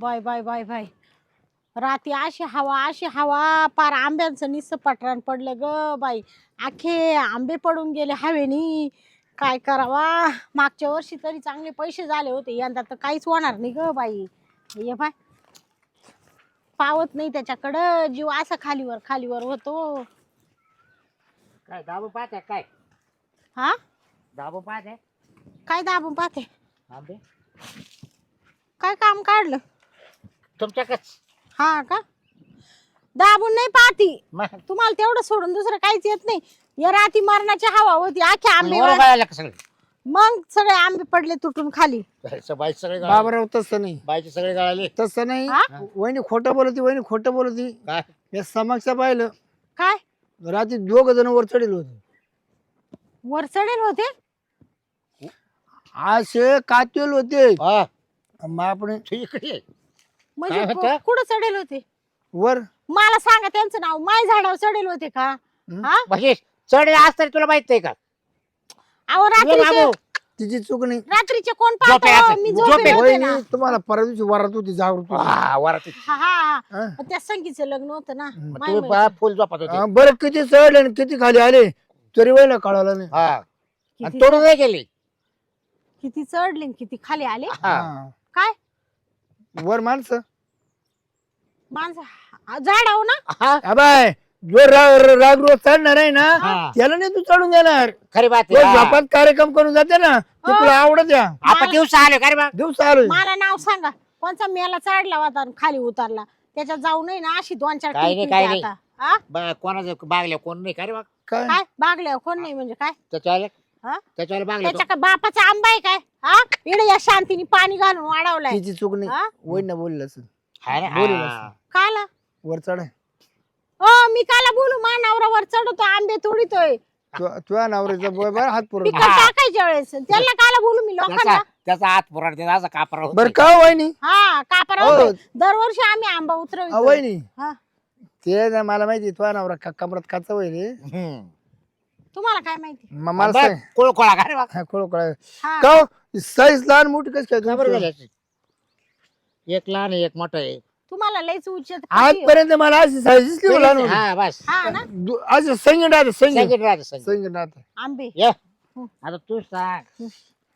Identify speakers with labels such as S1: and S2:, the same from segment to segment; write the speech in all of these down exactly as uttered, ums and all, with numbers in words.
S1: Bye bye bye bye राती अशी हवा अशी हवा पार आंब्यांचं निस्स पटरान पडलं ग बाई. आखे आंबे पडून गेले हवेनी. काय करावा. मागच्या वर्षी तरी चांगले पैसे झाले होते, यंदा तर काहीच होणार नाही ग बाई. ये बाय पावत नाही त्याच्याकडं, जीव असा खालीवर खालीवर होतो.
S2: काय दाबू पाहते काय?
S1: हा
S2: दाबू पाहते
S1: काय दाबून पाहते?
S2: आंबे
S1: काय काम काढलं?
S2: तुमच्याकच
S1: हा का? दाबून नाही पाहती.
S2: मग
S1: तुम्हाला तेवढं सोडून दुसरं काहीच येत नाही. या राती मरणाची हवा होती, आखे आंबे
S2: वर
S1: वर-
S2: गळायला का सगळे?
S1: मग सगळे आंबे पडले तुटून खाली.
S2: बाई सगळे गळाले.
S3: बाबराव तसं नाही,
S2: बाईचे सगळे गळाले.
S3: तसं नाही.
S1: हा?
S3: वहिनी खोटं बोलती, वहिनी खोटं बोलती.
S2: काय
S3: या समक्ष पाहिलं
S1: काय
S3: रात्री दोघ जण वर चढेल होते.
S1: वर चढेल होते?
S3: असे कातेल होते.
S2: हा
S3: मग आपण
S2: तू इकडे ये.
S1: म्हणजे
S2: काय होतं?
S1: कु- कुठं चढेल होते?
S3: वर
S1: मला सांगा त्यांचं नाव. माय झाडावर चढेल होते का? हा
S2: म्हणजे चढले आज तरी तुला माहित नाही का?
S1: अहो
S2: ये
S1: रात्रीचे
S2: बाबू.
S3: तिची चूक नाही.
S1: रात्रीचे कोण
S2: झोपे
S1: पाहतो?
S2: असेल.
S1: मी
S2: झोपे
S1: झोपेल होते
S3: वहिनी
S1: ना.
S3: तुम्हाला परवा दिवशी वरात होती, जागृत होती.
S2: हा, वराती.
S1: हा हा
S3: हा?
S1: हा. त्या संगीचं लग्न होतं ना.
S2: मग
S1: माय
S2: तुम्ही
S1: माहिती.
S2: पहा, फुल झोपत होते.
S3: हा, बरं किती चढले आणि किती खाली आले तरी वहिला कळालं नाही.
S2: हा आणि
S1: किती
S2: तोडून नाही गेली.
S1: किती चढले आणि किती खाली आले?
S2: हा
S3: हा.
S1: काय
S3: वर माणसं
S1: माणसं झाडाव ना?
S2: हा
S3: अबाय जो राग राग रोज चढणार आहे ना
S2: हा.
S3: त्याला नाही तू चढून देणार.
S2: खरी बात
S3: तो
S2: आहे. हा.
S3: झोपात कार्यक्रम करून जाते ना ते
S1: हो.
S3: तुला आवडत या
S2: आपण दिवस आले खरी बा.
S3: दिवस आलोय.
S1: मला नाव सांगा. कोणचा मेला चढला होता आणि खाली उतरला? त्याच्यात जाऊ नये ना अशी दोन चार
S2: काही
S1: टिप
S2: नाही,
S1: येते
S2: काही
S1: आता. हा?
S2: बा- कोणाचं बागल्या कोण नाही खरी बा.
S3: काय
S1: काय बागल्या कोण नाही म्हणजे काय?
S2: त्याच्यावाले
S1: हा?
S2: त्याच्यावाले बागल्या
S1: त्याच्या का बापाचा आंबा आहे काय? हा इकडे या शांतीने पाणी घालून वाढवलाय.
S3: तिची चूक नाही.
S1: हा?
S3: वहिनी बोललं असं
S2: हा ना,
S3: बोलू
S2: हा.
S3: नका.
S1: काला
S3: वर चढाय
S1: हो मी काला बोलू? मा नवरावर चढतो आंबे तोडीतोय
S3: तुझ्या नवऱ्याचा बोय बरं हात पुरवतो.
S1: पिकं टाकायच्या वेळेस त्याला काला बोलू मी लोकांना?
S2: त्याचा त्याचा हात पुराण त्याचा असा कापरा होत
S3: बरं
S2: नाही.
S3: का हो वहिनी?
S1: हा कापरा
S3: हो.
S1: होतोय. दरवर्षी आम्ही आंबा
S3: अ,
S1: उतरवतो.
S3: वहिनी
S1: हा
S3: ते ना मला माहिती तुझ्या नवरा का- कमरात काचा वहिनी
S2: हम्म.
S1: तुम्हाला काय माहिती?
S3: म- मला
S2: बघ,
S3: सांग
S2: कोळकोळा खरी बा.
S3: हा, खोळ खोळ
S1: हा
S3: का हो? साईज लहान मोठी कशी काय
S2: खबर
S3: तुमची?
S2: झाली अशी. एक लहान आहे, एक मोठं आहे.
S1: तुम्हाला लयच उच्चत
S3: आजपर्यंत मला अशी साईज दिसली हो लहान मोठी.
S2: हा बस
S1: हा ना
S3: दु- अशी संगीत राहते संगीत
S2: संगीत राहते, संगीत.
S3: संगीत राहते.
S1: आंबे
S2: ये
S1: हं.
S2: आता तू सांग.
S1: हं.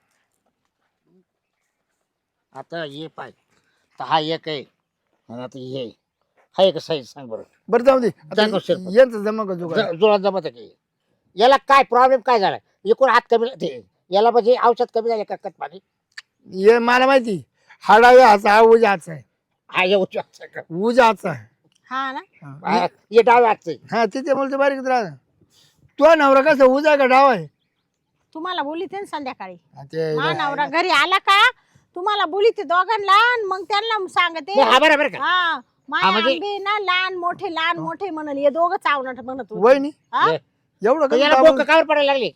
S2: आता ये पाय तर हा एक आहे आणि आता ये हा एक साईज सांग बरं.
S3: बरं जाऊ दे आता
S2: दाखव शिरपत.
S3: यांचं जमा का जुगाड?
S2: ज- जुळत जमत आहे की याला काय प्रॉब्लेम काय झाला? एकूण हात कमी ते याला म्हणजे औषध कमी झाले का कट पाणी?
S3: हे मला माहिती हाडाव्या हाचा हा उजा हाचा आहे.
S2: हा ये उजव्या हातचा का?
S3: उजा हाचा आहे.
S1: हा ना
S3: हा.
S2: हा, ये डाव्या हातचं आहे.
S3: हा तिथे मला ते बारीक राहत तो नवरा कसा उजा का डाव आहे?
S1: तुम्हाला बोलीते ना संध्याकाळी.
S3: हा, ते
S1: मा नवरा घरी आला का तुम्हाला बोलीते दोघांना आणि मग त्यांना सांगते
S2: नाही, हा बरं बरं का
S1: हा माय
S2: हा, म्हणजे-
S1: आंबे ना लहान मोठे लहान मोठे म्हणल हे दोघं चावणार म्हणत होते.
S3: वहिनी
S1: हा?
S2: ये.
S3: एवढं
S2: तर
S3: कसं
S2: याला
S3: दाबून-
S2: बोकं कावर पडायला लागली?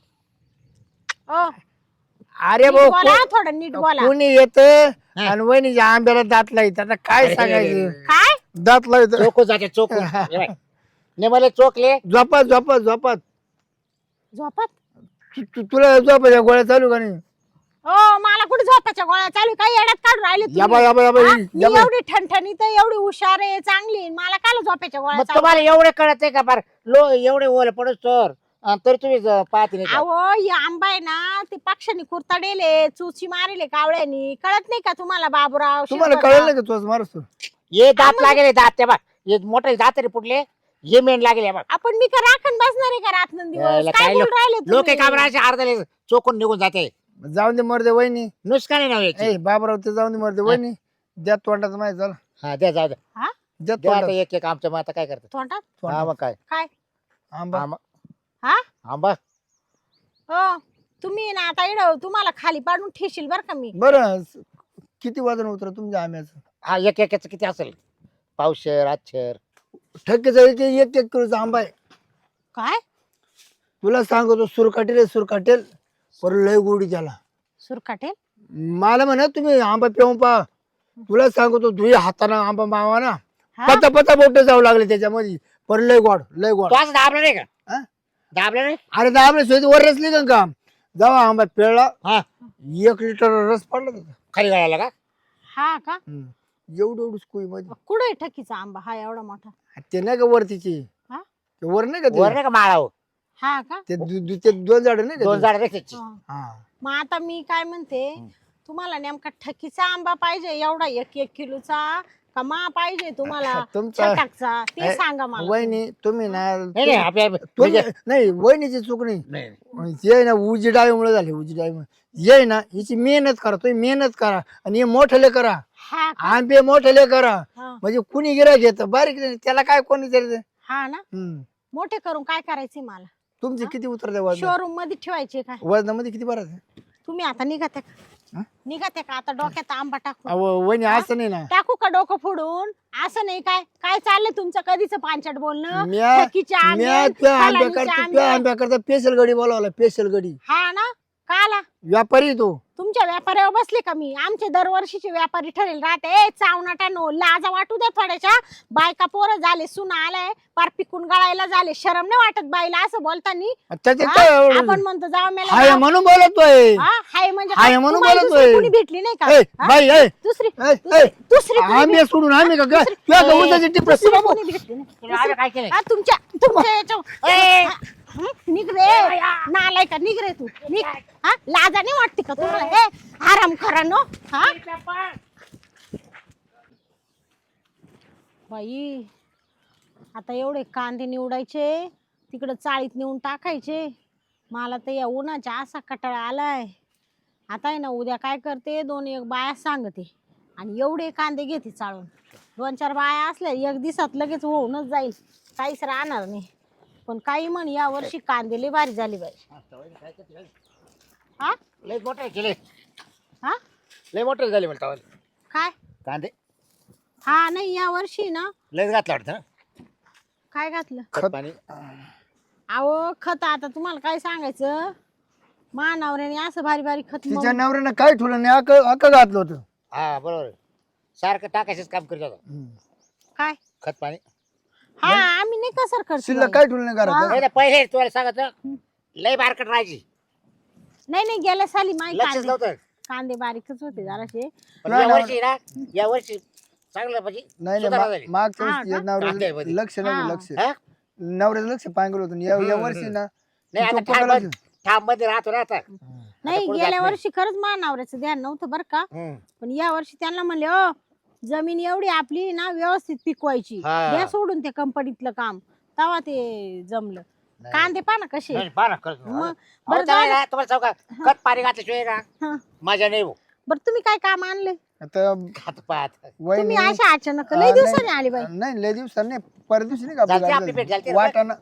S1: ओ,
S3: अरे
S1: नीट
S3: भाऊ
S1: बोला
S3: को-
S1: थोडं नीट बोला.
S3: कोणी येत
S2: हा.
S3: आणि वहिनीच्या आंब्याला दात लाईत आता काय
S2: अरे,
S3: सांगायचं?
S1: काय
S3: दात लाईत
S2: चोकू जाते चोकू ने मला चोकले.
S3: झोपात झोपात झोपात
S1: झोपत?
S3: तु- तु- तुला झोपायच्या गोळ्या चालू का नाही?
S1: हो मला कुठे झोपाच्या गोळ्या चालू काही येड्यात काढून राहिले तुम्ही?
S3: याबा याबा याबा
S1: हा?
S3: इ-
S1: मी
S3: याबा
S1: एवढी ठणठणीत आहे, एवढी हुशार आहे चांगली मला काय झोपाच्या गोळ्या
S2: मग
S1: चालू?
S2: तुम्हाला एवढे कळत आहे का बार लो एवढे ओल पडत तर अन तरी तुम्ही ज- पाहते नाही का?
S1: अहो ही आंबा आहे ना ते पक्षांनी कुरताडेले चुची मारेले कावळ्यानी. कळत नाही का तुम्हाला बाबूराव?
S3: तुम्हाला
S1: शिरपतराव?
S3: कळलं नाही का तुझं मारस
S2: ये दात लागेल दात ते बा ये मोठे दात रे पुटले ये मेन लागेल बा.
S1: आपण मी का राखण बसणार आहे का रात्र
S2: यायला
S1: दिवस? काय
S2: काय
S1: बोल
S2: लोक-
S1: राहिले
S2: लोक
S1: तुम्ही?
S2: काम राहायचे अर्धले चोकून निघून जाते.
S3: जाऊन दे मरदे वहिनी.
S2: नुसकान नाव याची.
S3: ए बाबराव ते जाऊन दे मरदे वहिनी द्या तोंडाचं माहिती झालं
S2: हा द्या जाऊ द्या
S1: हा?
S3: द्या
S2: द्या आता
S3: तोंडात
S2: एक एक आमच्या माता काय करतात.
S1: तोंडात
S2: हा मग काय
S1: काय?
S3: आंबा
S2: आंबा
S1: हा
S2: आंबा
S1: हो तुम्ही ना आता इड तुम्हाला खाली पाडून ठेशील बर का मी.
S3: बरं किती वजन उतर तुमच्या आंब्याचं?
S2: हा एक एकाच किती असेल? पावशेर आच्छेर
S3: ठक्केचा एक एक एक किलोचा आंबा आहे.
S1: काय
S3: तुला सांगतो सुरकाटेल आहे, सुरकाटेल पर लय गोडी त्याला.
S1: सुरकाटेल?
S3: मला म्हणा तुम्ही आंबा पिऊन पहा. तुला सांगतो तुझ्या हाताने आंबा मावा ना
S1: हा?
S3: पता पता बोट जाऊ लागले त्याच्यामध्ये पर लय गोड लय गोड.
S2: तो असं दाबला नाही का?
S3: हा?
S2: दाबला नाही.
S3: अरे दाबले सोयी वर रसली का काम जावा आंबा पिळला
S2: हा
S3: एक लिटर रस पडला त्याचा.
S2: खाली गाळाला का?
S1: हा का?
S3: हम्म. एवढं एवढं स्कूल मध्ये
S1: कुठे आहे ठकीचा आंबा हा एवढा मोठा?
S3: ते नाही का वरतीची
S1: हा?
S3: ते वर नाही का ते?
S2: वर नाही का माळाव
S1: हा का?
S3: ते दु- दु- ते दोन झाड नाही का
S2: दोन
S3: ते?
S2: झाड त्याची
S1: हा.
S3: हा
S1: मग आता मी काय म्हणते, तुम्हाला नेमका ठकीचा आंबा पाहिजे एवढा एक एक किलोचा का मा पाहिजे तुम्हाला
S3: तुमचा-
S1: छटाकचा ते सांगा मला.
S3: वहिनी तुम्ही ना
S2: नाही नाही आपल्या
S3: तुम्ही-
S2: म्हणजे-
S3: नाही वहिनीची चूक नाही
S2: नाही
S3: ये ना उजी डाळीमुळे झाली उजी डाळीमुळे ये ना हिची मेहनत करा तुम्ही मेहनत करा आणि हे मोठले करा
S1: हा का?
S3: आंबे मोठले करा
S1: हा.
S3: म्हणजे कुणी गिरा घेत बारीक नाही त्याला काय कोणी तरी
S1: हा ना,
S3: हम्म.
S1: मोठे करून काय करायचे मला?
S3: तुमचे किती उतरते वजन
S1: शोरूम मध्ये ठेवायचे काय?
S3: वजनामध्ये किती बरं
S1: तुम्ही आता निघते का?
S3: हा?
S1: निघते का आता डोक्यात आंबा टाकू?
S3: वहिनी असं नाही ना
S1: टाकू का डोकं फोडून? असं नाही काय काय चाललंय तुमचं कधीच पांचट बोलणं?
S3: म्या
S1: ठकीचे आंबे,
S3: म्या त्या आंब्या
S1: फलानीचे
S3: करता
S1: आंबे.
S3: त्या आंब्या करता स्पेशल गडी बोलावला स्पेशल गडी
S1: हा ना, काला
S3: व्यापारी तो
S1: तुमच्या व्यापाऱ्यावर बसले का मी? आमचे दरवर्षीचे व्यापारी ठरेल राहते. ए चावनाटा नो लाजा वाटू दे थोड्याच्या. बायका पोरं झाले, सुना आलाय, पार पिकून गळायला झाले. शरम नाही वाटत बाईला असं बोलतानी?
S3: त्याचे
S1: हा?
S3: काय एवढं?
S1: आपण म्हणतो जाऊ मेला
S3: हाय
S1: जाऊ.
S3: म्हणून बोलतोय
S1: हा, हाय म्हणजे
S3: हाय
S1: काय?
S3: म्हणून
S1: तुम्हाला
S3: बोलतोय.
S1: दुसरी कोणी भेटली नाही का?
S3: ए,
S1: हा?
S3: बाई ए,
S1: दुसरी
S3: ए,
S1: दुसरी
S3: ए,
S1: दुसरी कोणी
S3: आम्ही
S1: भेट-
S3: सोडून आम्ही का काय? तुझ्या
S1: ए,
S3: उसाची टिप
S1: दुसरी कोणी भेटली नाही.
S2: तुला आम्ही काय केलं?
S1: हा, तुमच्या तुमच्या याच्यावर- ए, हं? निघ रे नालाय का, निघ रे तू निघ. हा, लाजा नाही वाटते का तुम्हाला? ए आराम करा नो. हा बाई, आता एवढे कांदे निवडायचे, तिकडं चाळीत नेऊन टाकायचे. मला तर या उन्हाचा असा कटाळा आलाय. आता आहे ना, उद्या काय करते, दोन एक बाया सांगते आणि एवढे कांदे घेते चाळून. दोन चार बाया असल्या एक दिवसात लगेच होऊनच जाईल, काहीच राहणार नाही. पण काही म्हण या वर्षी कांदे लय भारी झाली बाई. हा
S2: लय मोठे केले
S1: हा
S2: लय मोठे झाले म्हणता
S1: काय?
S2: कांदे
S1: हा नाही, या वर्षी ना
S2: लयच घातलं वाटतं ना?
S1: काय घातलं?
S2: खत पाणी
S1: अहो खत आता तुम्हाला काय सांगायचं, मानावऱ्याने असं भारी भारी खत मग-
S3: तिच्या नवऱ्यानं काय ठेवलं नाही अक अक घातलं होतं
S2: हा बरोबर आहे. सारखं टाकायचंच काम करत होता
S3: हम्म.
S1: काय?
S2: खत पाणी.
S1: हा आम्ही नाही कसर करतो
S3: शिल्लक
S1: बाई.
S3: काय ठेवलं नाही घरात
S2: नाही, नाही, पहिले तुम्हाला सांगत लय बारकट राहायची,
S1: नाही नाही, गेल्या साली माहिती
S2: लक्षच
S1: कांदे
S2: नव्हतं.
S1: कांदे बारीकच होते जराशे.
S2: पण
S3: नाही,
S2: या
S3: नाही.
S2: वर्षी ना या वर्षी चांगलं म्हणजे
S3: नाही
S2: सुधारणा
S3: नाही
S2: झाली.
S3: मा- मागच्या
S1: हा
S3: वर्षी
S1: का?
S3: नवऱ्याचं
S2: कांद्यामध्ये.
S3: लक्ष
S1: हा.
S3: नव्हतं लक्ष
S2: हा?
S3: नवऱ्याचं लक्ष पांगलं होतं या या
S2: हम्म,
S3: वर्षी ना
S2: नाही आता
S3: चुप
S2: ठाम
S3: करायचं.
S2: ठाम मध्ये राहतो ना आता.
S1: नाही
S2: पुढे
S1: गेल्या
S2: जात नाही.
S1: वर्षी खरंच मानावऱ्याचं ध्यान नव्हतं बरं का.
S2: हम्म.
S1: पण या वर्षी त्यांना म्हणले ओ जमीन एवढी आपली ना व्यवस्थित पिकवायची,
S2: हा.
S1: द्या सोडून ते कंपनीतलं काम. तेव्हा ते जमलं.
S2: नाही.
S1: कांदे पहा ना कसे.
S2: नाही, पहा ना, खरंच.
S1: मग
S2: अहो,
S1: बरं
S2: चालेल
S1: जाऊ
S2: ना, तुम्हाला सांगू का? खत पाणी घातल्याशिवाय ना
S1: हा.
S2: मजा नाही हो.
S1: बरं तुम्ही काय काम आणले?
S3: आता
S2: खात पाहत
S3: वहिनी
S1: तुम्ही अशा अचानक
S3: हा,
S1: लय
S3: नाही.
S1: दिवसांनी आली बाई.
S3: नाही लय दिवसांनी नाही परत दिवशी नाही का आपली
S2: झालती
S3: गाडी
S2: आपली भेट
S3: झाली.
S2: झालती ना?
S3: वाटाणा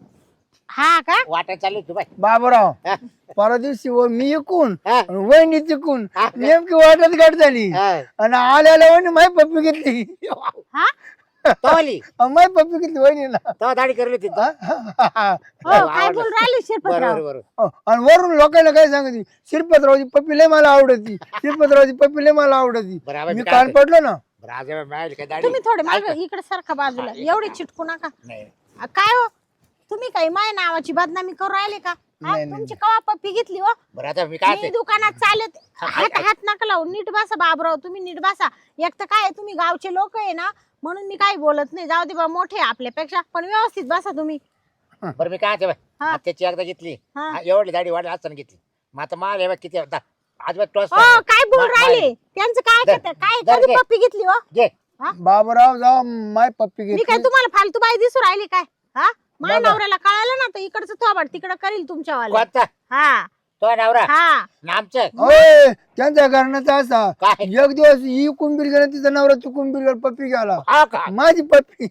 S1: हा का?
S2: वाटायला चालली तू बाय.
S3: बाबूराव
S2: हा.
S3: परवा दिवशी व मी इकून
S2: हा.
S3: आणि वहिनी तिकून
S2: हा.
S3: नेमकी वाटत गाठ झाली
S2: हा.
S3: आणि आल्याला वहिनी माय पप्पी घेतली
S1: हा
S2: तो आली
S3: माय पप्पी घेतली वहिनीला
S2: तो दाढी करली होती.
S3: हा, हा, हा.
S1: हो काय बोल राहिले
S2: बरोबर
S1: शिरपतराव?
S2: बरोबर.
S3: हो, आणि वरून लोकांना काय सांगते शिरपतरावची पप्पी लय मला आवडती शिरपतरावची पप्पी लय मला आवडती
S2: बरं, आवाज
S3: मी
S2: काय
S3: कान
S2: होतंय?
S3: पडलो ना
S2: बरं, आज एवढं मिळाली काय दाढी?
S1: तुम्ही थोडे
S2: ऐका.
S1: मागे इकडे सारखा बाजूला,
S2: हा,
S1: एवढे चिटकू नका.
S2: नाही
S1: आ, काय हो तुम्ही काही माय नावाची बदनामी करू राहिले का? हा,
S3: नाही, नाही,
S1: तुमची कवा पप्पी घेतली हो?
S2: बरं आता मी काय
S1: मी
S2: ते-
S1: दुकानात चालत
S2: हा,
S1: हात
S2: ऐक-
S1: हात नका लावू, नीट बसा बाबराव, तुम्ही नीट बसा. एक तर काय तुम्ही गावचे लोक आहे ना, म्हणून मी काही बोलत नाही. जाऊ दे बा, मोठे आहे आपल्यापेक्षा, पण व्यवस्थित बसा तुम्ही.
S2: बरं मी काय ते बाय,
S1: हा.
S2: त्याची एकदा घेतली
S1: हा.
S2: हा, एवढी दाढी वाढली असताना घेतली. मग आता माल हे किती होता आज टॉस
S1: हो काय बोल
S2: मा-
S1: राहिले त्यांचं काय
S2: दर-
S1: करता? काय
S2: दर
S1: कधी
S2: घे.
S1: पप्पी घेतली हो?
S2: घे
S3: बाबूराव जाऊ माय पप्पी
S1: मी काय
S3: घेतली
S1: तुम्हाला फालतू बाई दिसू राहिली काय? हा माझ्या
S3: दादा.
S1: नवऱ्याला कळालं ना तर इकडचं थोबाड तिकडं करील तुमच्यावाला.
S2: कोणता
S1: हा
S2: तो नवरा
S1: हा
S2: ना आमचं
S3: ओय त्यांच्या घराण्याचा असा
S2: काय
S3: एक दिवस ही कुंभीर गेला तिचा नवरा चुकून बिर पप्पी घ्याला
S2: हा का
S3: माझी पप्पी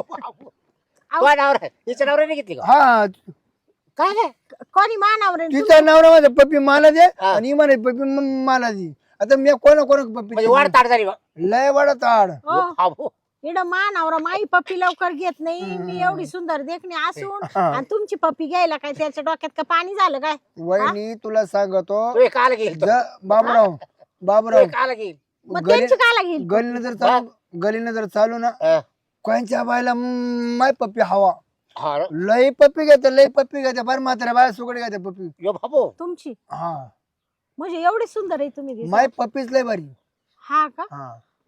S2: तो नवरा तिचा नवरा नाही घेतली का
S3: हा
S2: काय नाही
S1: कोणी मानावर
S3: तिचा नवरा माझा पप्पी मला दे
S2: हा.
S3: आणि म्हणे पप्पी म- मला दे आता मी कोणा कोणा पप्पी
S2: म्हणजे वाढ ताट झाली बा.
S3: लय वाडा ताड
S2: हा, हो.
S1: इड मानावर माई पप्पी लवकर घेत नाही. मी एवढी सुंदर देखणी असून
S3: हा.
S1: आणि तुमची पप्पी घ्यायला काय त्याच्या डोक्यात का पाणी झालं काय?
S3: वहिनी तुला सांगतो
S2: तू हे काल घेईल तो.
S3: ज- बाबूराव
S2: तू
S3: बाबूराव
S2: हे काल घेईल
S1: मग
S3: गली
S1: त्यांची काला घेईल?
S3: गलीनं जर चालू गलीनं जर चालू ना
S2: हा.
S3: कोणच्या बायला म- माय पप्पी हवा
S2: हा रे.
S3: लय पप्पी घेते लय पप्पी घेते बरं मात्र बाय सुकड घेते पप्पी
S2: यो बाबू
S1: तुमची
S3: हा
S1: म्हणजे एवढी सुंदर आहे तुम्ही दिसायला.
S3: माय पप्पीच लय भारी
S1: हा का?
S3: हा
S1: असं काय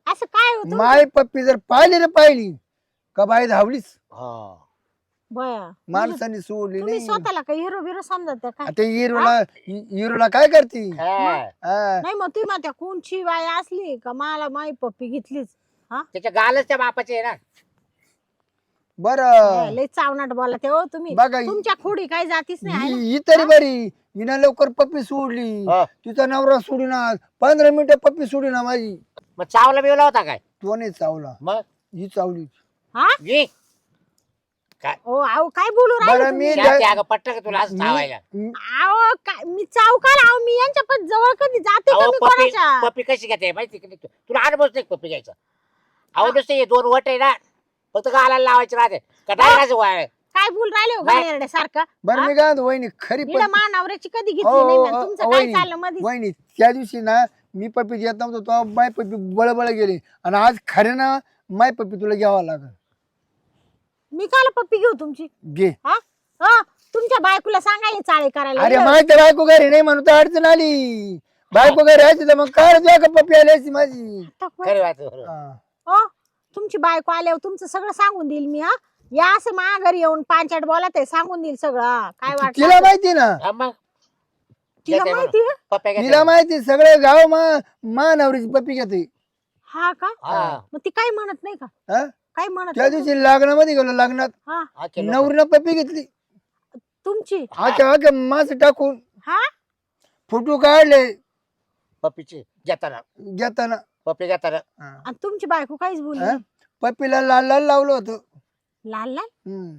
S1: काय होतं
S3: माय पप्पी जर पाहिली ना पाहिली का बाई धावलीच
S2: हा.
S1: बया म्हणजे
S3: माणसाने सोडली
S1: तुम्ही
S3: नाही
S1: स्वतःला काही हिरो बिरो समजत काय
S3: आता हिरोला हिरोला काय करते
S2: हा.
S3: हा.
S1: नाही मग तुम्ही म्हणता कोणची बाई असली का मला माई पप्पी घेतलीच
S2: त्याच्या गालच त्या बापाचे आहे ना.
S3: बर
S1: हे, लय चावनाट बोला ते हो तुम्ही
S3: बघा
S1: तुमच्या खोडी काही जातीच नाही आहे ना?
S3: ही ही तरी बरी हिनं लवकर पप्पी सोडली
S2: हा.
S3: तिचा नवरा सोडीना पंधरा मिनिटं पप्पी सोडीना माझी
S2: मग चावला बिवला होता काय
S3: तो नाही चावला
S2: मग
S3: ही चावली
S1: हा
S2: घे.
S1: ओ अहो काय बोलू राहिले
S3: बरं
S1: तुम्ही?
S3: मी
S2: शांती, अगं पटलं का तुला असं
S3: मी-
S2: चावायला?
S3: मी-
S1: अहो काय मी चावकार अहो मी यांच्या पण जवळ कधी जाते का
S2: अहो,
S1: मी
S2: पप्पी
S1: कोणाच्या
S2: पप्पी कशी घेते माहिती का नाही तू? तुला अनुभवच नाही पप्पी घ्यायचा. अहो नुसते हे दोन वट आहे ना फक्त गालाला लावायचे राहते का डायरेक्ट वाळ.
S1: काय बोल राहिले हो
S2: नाही.
S1: गाण्यारड्या सारखं
S3: बरं मी काय म्हणतो, वहिनी खरी
S1: इकडं
S3: पप्पी
S1: मानावऱ्याची कधी घेतली
S3: हो,
S1: नाही
S3: हो,
S1: म्या.
S3: हो,
S1: तुमचं काय
S3: वहिनी.
S1: चाललं मध्ये
S3: वहिनी त्या दिवशी ना मी पप्पी घेत नव्हतो तो माय पप्पी बळबळ गेली आणि आज खरे ना माय पप्पी तुला घ्यावा लागल
S1: मी काल पप्पी घेऊ तुमची
S3: घे
S1: हा हा तुमच्या बायकोला सांगायला चाळे करायला
S3: अरे
S1: ये.
S3: माझ्या बायको घरी नाही म्हणून तर अडचण आली बायको घरी यायची तर मग काय तुझ्या का पप्पी आली असती माझी
S1: आता काय?
S2: खरी बात आहे, बरोबर.
S3: हा.
S1: हो तुमची बायको आल्यावर तुमचं सगळं सांगून देईल मी हा या असं मा घरी येऊन पांचाट बोलत आहे सांगून देईल सगळं हा. काय
S3: तिला
S1: वाटत
S3: माहिती ना
S2: हा मग
S1: तिला
S2: घेते
S1: माहिती आहे?
S2: पप्प्या घेते.
S3: तिला माहिती सगळे गाव मा मा नवरीची पप्पी घेते
S1: हा का
S2: हा.
S1: मग ती काही म्हणत नाही का
S3: हा?
S1: काही म्हणत
S3: त्या
S1: नाही
S3: दिवशी लग्नामध्ये गेलो लग्नात
S1: हा
S2: हा, केलं.
S3: नवरीनं पप्पी घेतली
S1: तुमची
S3: आख्या आख्या मास टाकून
S1: हा
S3: फोटो काढले
S2: पप्पीची घेताना
S3: घेताना
S2: पप्पी घेताना
S3: हा.
S1: आणि तुमची बायको काहीच बोलली
S3: हा?
S1: नाही?
S3: पप्पीला लाल लाल लावलं होतं
S1: लाल लाल
S3: हम्म.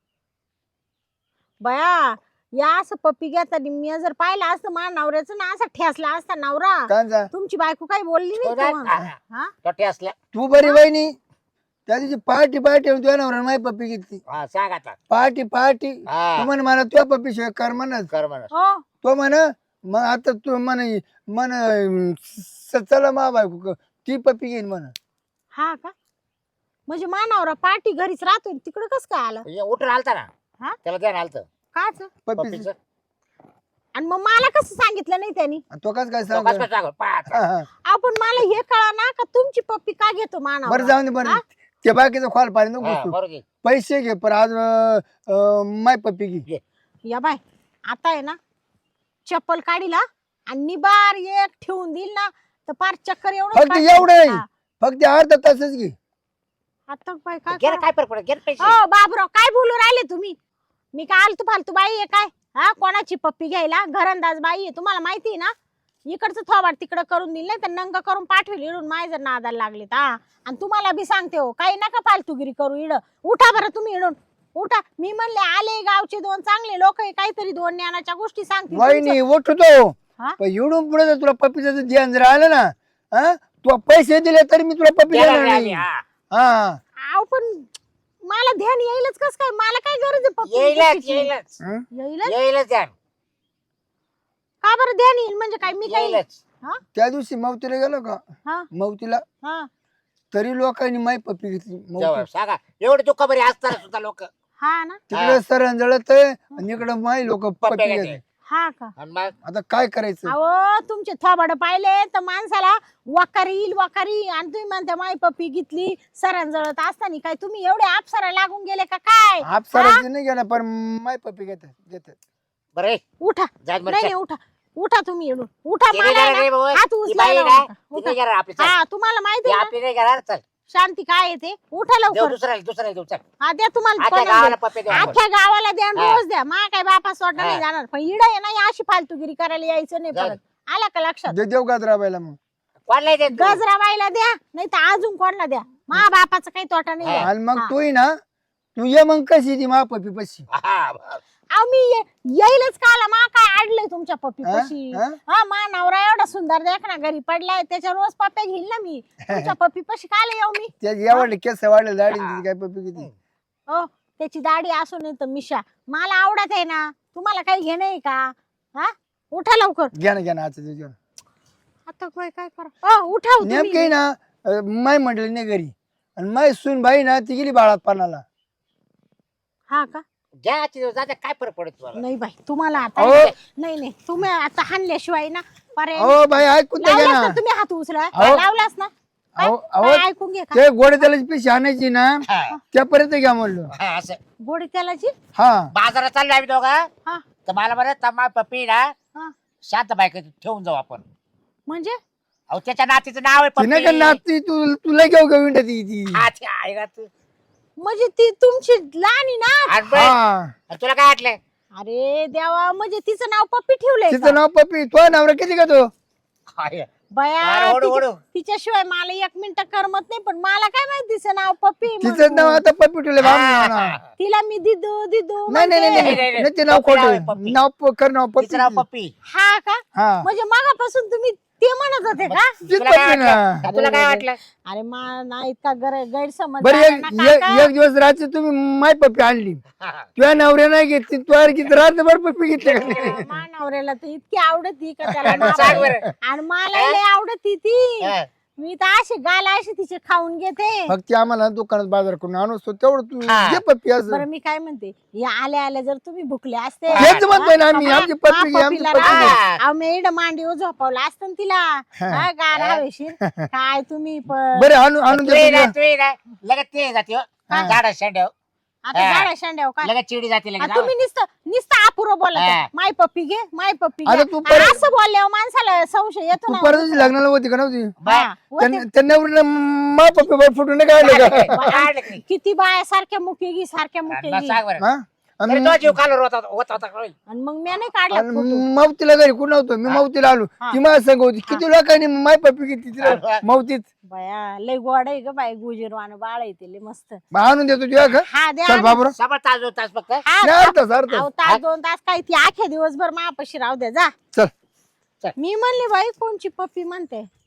S1: बया या असं पप्पी घेताना मी जर पाहिलं असतं मा नवऱ्याचं ना असा ठेसला असता नवरा
S3: कांजा
S1: तुमची बायको काही बोलली
S2: तो
S1: नाही
S2: नाही-
S1: का
S2: हा,
S1: मग?
S2: हा.
S1: हा?
S2: तोटे असल्या
S3: तू बरी वहिनी त्या दिवशी पार्टी पार्टी तुझ्या नवऱ्यानं माझी पप्पी घेतली
S2: हा सांग आता
S3: पार्टी पार्टी
S2: हा
S3: तू म्हण मला तुझ्या पप्पी शिवाय कर म्हणत
S2: कर म्हणा.
S1: हो
S3: तो म्हण मग आता तू म्हण म्हण स- चला मा बायको क- ती पप्पी घेईन म्हण
S1: हा का म्हणजे मा नवरा पार्टी घरीच राहतोय तिकडं कस काय आलं
S2: हे उठून आलता ना
S1: हा?
S2: त्याला द्या आलत
S1: काच
S3: पप्पी
S2: पप्पीचं
S1: आणि मग मला कसं सांगितलं नाही त्यांनी
S3: तो कस काय
S2: तो
S3: सांग
S2: कसं सांगू? पाच.
S1: आपण मला हे कळा ना का तुमची पप्पी का घेतो
S3: बरं
S1: मानव
S3: जाऊन दे बरं ते बाकीचं खोल पाणी नको
S2: हा,
S3: घुसू.
S2: बरोबर आहे.
S3: पैसे घे पण आज अं, अं, माय पप्पी घे
S1: या बाय आता आहे ना चप्पल काढीला आणि निबार एक ठेवून देईल ना तर पार चक्कर एवढं
S3: फक्त एवढं नाही फक्त अर्धा तासच घे
S1: आता बाय काय
S2: घे ना,
S1: करा?
S2: काय फरक पडत घे ना पैसे.
S1: हो बाबराव काय बोलू राहिले तुम्ही मी काय आलतू फालतू बाई आहे काय हा कोणाची पप्पी घ्यायला घरंदाज बाई आहे तुम्हाला माहिती आहे ना इकडचं थोबाड तिकडं करून दिलं नाही तर नंग करून पाठवेल इडून माय जर नादाला लागलेत हा आणि तुम्हाला बी सांगते हो काही नका फालतूगिरी करू इड उठा बरं तुम्ही इडून उठा मी म्हणले आले गावचे दोन चांगले लोक आहे काहीतरी दोन ज्ञानाच्या गोष्टी सांगते
S3: वहिनी उठतो
S1: हा?
S3: पण एवढून पुढे जर तुला पप्पीचं जर ध्यान जर आलं ना हा तू पैसे दिले तरी मी तुला पप्पी
S2: देणार
S3: देणार
S2: नाही
S3: नाही
S2: आम्ही, हा.
S3: हा
S1: आव पण मला ध्यान येईलच कस काय मला काय गरज आहे पप्पी
S2: येईलच
S1: गिफ्टीची?
S2: येईलच
S3: हं?
S1: येईलच
S2: येईलच द्या
S1: का बरं ध्यान येईल म्हणजे काय मी काय
S2: येईलच
S1: हा
S3: त्या दिवशी मवतीला गेलो का
S1: हा
S3: मवतीला
S1: हा
S3: तरी लोकांनी माय पप्पी घेतली
S2: जेव्हा
S3: मवती
S2: सांगा एवढे दुःख बरी असताना सुद्धा लोक
S1: हा ना
S3: तिकडे सरण जळत आहे आणि इकडे माय लोक पप्पी
S2: पप्प्या
S3: घेते
S2: घेते.
S1: हा का
S2: आणि मग
S3: आता काय करायचं
S1: अहो तुमचे थोबाड पाहिले तर माणसाला वाकारी येईल वाकारी आणि तुम्ही म्हणता माई पप्पी घेतली सरण जळत असताना काय तुम्ही एवढे आपसारा लागून गेले का काय
S3: आपसाराचे नाही गेला पण माय पप्पी घेतात घेतात
S2: बरं ए,
S1: उठा
S2: जात
S1: नाही
S2: बरं
S1: नाही उठा उठा तुम्ही येऊन उठा
S2: ती
S1: मला
S2: नाही
S1: आहे
S2: घेणार रे
S1: ना,
S2: बाबा.
S1: हात
S2: ती
S1: उचलायला
S2: बाई ना,
S1: नका.
S2: ती
S1: उठा.
S2: नाही घेणार आपली चल.
S1: हा तुम्हाला माहिती
S2: ती
S1: आहे ना
S2: आपली नाही घेणार चल
S1: शांती काय येते उठा
S2: देऊ
S1: लवकर
S2: दुसऱ्याला दुसऱ्याला देऊ चल
S1: हा द्या तुम्हाला
S2: आख्या
S1: बनवून
S2: गावाला
S1: द्या.
S2: पप्पे देऊ आपण.
S1: अख्ख्या गावाला द्या आणि
S2: हा.
S1: रोज द्या मा काय बापा सोडणार नाही
S2: हा.
S1: जाणार पण इडा आहे ना या अशी फालतूगिरी करायला यायचं नाही
S2: जाऊ
S1: परत आला का लक्षात
S3: दे देव गात राबायला मग
S2: कोणाला देत तू?
S1: गजराबाईला द्या नाही तर अजून कोणाला द्या मा बापाचा काही तोटा नाही
S2: हा.
S1: द्या.
S3: आणि मग
S1: हा.
S3: तू ना तू ये मग कशी ती मा पप्पी पशी
S2: हा, बरं.
S1: अहो मी ये- येईलच का आला मा काय आडलंय तुमच्या पप्पी
S3: हा?
S1: पशी
S3: हा?
S1: हा मा नवरा एवढा सुंदर देख ना घरी पडलाय त्याच्या रोज पप्प्या घेईल ना मी तुमच्या पप्पी पशी काला येऊ मी
S3: त्या एवढे केस वाढले दाढी
S2: हा.
S3: तिची काय पप्पी किती
S1: हो त्याची दाढी असू नाही तर मिशा मला आवडत आहे ना तुम्हाला काही घेणं आहे का हा उठा लवकर
S3: घ्या ना घ्या ना आजच्या दिवशी
S1: आता काय काय करा अ, उठा हो
S3: नेमके
S1: तुम्ही.
S3: ना अं, माय म्हटली नाही घरी आणि माय सून बाई ना ती गेली बाळात पानाला
S1: हा का
S2: घ्या आजच्या दिवस जाते काय फरक पडत तुम्हाला
S1: नाही बाई तुम्हाला आता
S3: अहो.
S1: नाही नाही तुम्ही आता हाणल्याशिवाय ना पर्याय
S3: अहो बाई ऐकून तर घ्या
S1: लावलास
S3: ना
S1: ना तुम्ही हात उचला
S3: अहो.
S1: लावलास ना काय
S3: अहो अहो,
S1: काय ऐकून घे का
S3: ते गोडे त्याला पिशी आणायची ना
S2: हा,
S3: त्यापर्यंत घ्या म्हणलो
S2: हा, असं
S1: गोडी तेलाची
S3: हा
S2: बाजारात चाललो आम्ही दोघं
S1: हा
S2: तर मला बरं तमा पप्पी ना
S1: हा
S2: शांत बायक ठेवून जाऊ आपण
S1: म्हणजे
S2: अहो त्याच्या नातीचं नाव आहे
S3: ती नाही का
S2: पप्पी
S3: नाती तू तुला घेऊ का विंटा ती ती
S2: हा, ती आहे ना तू.
S1: म्हणजे ती तुमची लहानी ना
S2: आणि बरं,
S3: हा
S2: आणि तुला काय वाटलं
S1: अरे देवा म्हणजे तिचं नाव पप्पी ठेवलंय
S3: तिचं
S1: का?
S3: नाव पप्पी तो नवरा किती का तो
S2: हाय.
S1: बया
S2: अरे, ओढू,
S1: तिच्या-
S2: ओढू.
S1: तिच्याशिवाय मला एक मिनिट करमत नाही पण मला काय माहिती तिचं नाव पप्पी
S3: तिचं
S1: म्हणून.
S3: नाव आता पप्पी ठेवले
S2: हा.
S1: तिला मी दिदू दिदू
S3: नाही नाही नाही,
S1: म्हणते.
S3: नाही
S2: नाही, नाही.
S3: नाही, ते नाव
S2: पप्पी नाव आहे,
S3: खोट
S2: पप्पी.
S3: नाव प- कर नाव
S2: तिचं नाव
S3: पप्पी
S2: पप्पी
S1: हा का
S3: हा
S1: म्हणजे मगापासून तुम्ही ते म्हणत होते का
S3: तीच
S2: तुला काय
S3: पप्पी ना
S2: वाटलं तुला काय वाटलं
S1: अरे मा ना इतका गैर गैरसमज
S3: बरं
S1: झाला
S3: एक
S1: ना
S3: एक-
S1: काका.
S3: एक दिवस रात्री तुम्ही माय पप्पी आणली
S2: हा, हा.
S3: तुझ्या नवऱ्या नाही घेतली तू किती रात्रभर पप्पी घेतली का नाही?
S1: मा नवऱ्याला तर इतकी आवडती का त्याला
S2: आणि सांग
S1: मावा-
S2: बरं.
S1: आणि मला लय आवडती ती
S2: हा.
S1: मी तर अशी गाल अशी तिचे खाऊन घेते
S3: मग ती आम्हाला दुकानात बाजार करून आणू असतो तेवढं तू
S2: हा.
S3: घे पप्पी असं
S1: बरं मी काय म्हणते या आल्या आल्या जर तुम्ही भुकले असते
S3: हेच म्हणतोय ना आम्ही
S1: हा,
S3: आमची पप्पी घे
S1: हा,
S3: आमची
S1: पप्पीला
S3: पप्पी घे.
S2: हा.
S1: राहा. आम्ही इड मांडीवर झोपवलं असतं ना तिला हा, गार हवेशीर काय तुम्ही प-
S3: बरं आणून आणून
S2: तू ये ना,
S3: देतो
S2: तू ये ना. लगेच ते जाते हो.
S3: हा.
S2: झाडा शेंड्याव
S1: आता
S2: हा.
S1: गाड्या शांड्याव काय
S2: लगेच चिडी जाते
S1: आ,
S2: लगेच
S1: तुम्ही नुसतं नुसतं अपुरं बोलत
S2: हा.
S1: आहे. माय पप्पी घे माय पप्पी
S3: आता
S1: घे
S3: तू परत-
S1: असं बोलल्यावर माणसाला संशय येतो
S3: तू
S1: ना
S3: परत दिवशी लग्नाला होती का नव्हती
S2: बाय.
S1: हा, होते.
S3: त्यां- त्या नवरीनं मा पप्पी वर फुटून नाही काढलं का
S2: काढलं की.
S1: किती बाया सारख्या मुकेगी सारख्या
S2: मग
S1: मुकेगी
S2: सांग बरं.
S3: हा? आणि
S2: तरी तो जीव खालो होता होता होता कळलं.
S1: आणि मग मी नाही काढला
S3: आणि
S1: फोटो
S3: मावतीला घरी कुठं नव्हतं मी मावतीला आलो
S1: हा.
S3: ती माझ्या संग होती किती लोकांनी माय पप्पी घेतली तिला मावतीत
S1: बया लय गोड आहे ग बाई गुजीरवान बाळ आहे ते लय मस्त
S3: मग आणून देतो तुझ्या का
S1: हा द्या
S3: चल
S1: आणून.
S3: बाबरा
S2: सबर तास दोन तास फक्त
S1: हा,
S3: नाही अर्थ अर्थ
S1: अहो, तास दोन तास काय ती आख्या दिवसभर मापाशी राहू द्या जा
S3: चल
S1: मी म्हणली बाई कोणची पप्पी म्हणते